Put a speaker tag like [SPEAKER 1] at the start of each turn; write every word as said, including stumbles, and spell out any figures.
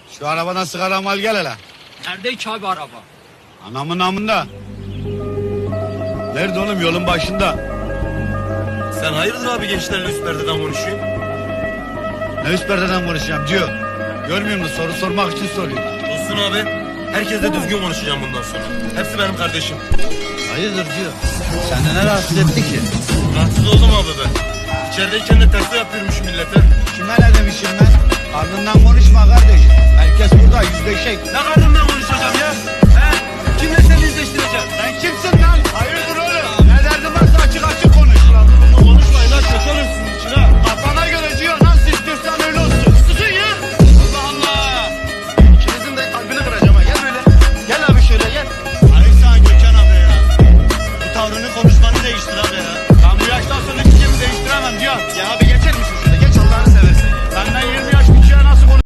[SPEAKER 1] Şu arabadan sigara mal gel hele.
[SPEAKER 2] Nerede ki abi araba?
[SPEAKER 1] Anamın namında. Nerede oğlum, yolun başında.
[SPEAKER 3] Sen hayırdır abi gençlerle üst perdeden konuşuyorsun?
[SPEAKER 1] Ne üst perdeden konuşacağım diyor. Görmüyor musun, soru sormak için soruyor.
[SPEAKER 3] Olsun abi. Herkesle düzgün konuşacağım bundan sonra. Hepsi benim kardeşim.
[SPEAKER 1] Hayırdır diyor. Seni ne rahatsız etti ki?
[SPEAKER 3] Rahatsız oldum abi ben. İçerideyken de tersi yapıyormuş millete.
[SPEAKER 1] Kime ne demişim ben? Ardından konuşma kardeşim. Herkes burada yüzleşecek.
[SPEAKER 3] Ne karnından konuşuyorsun?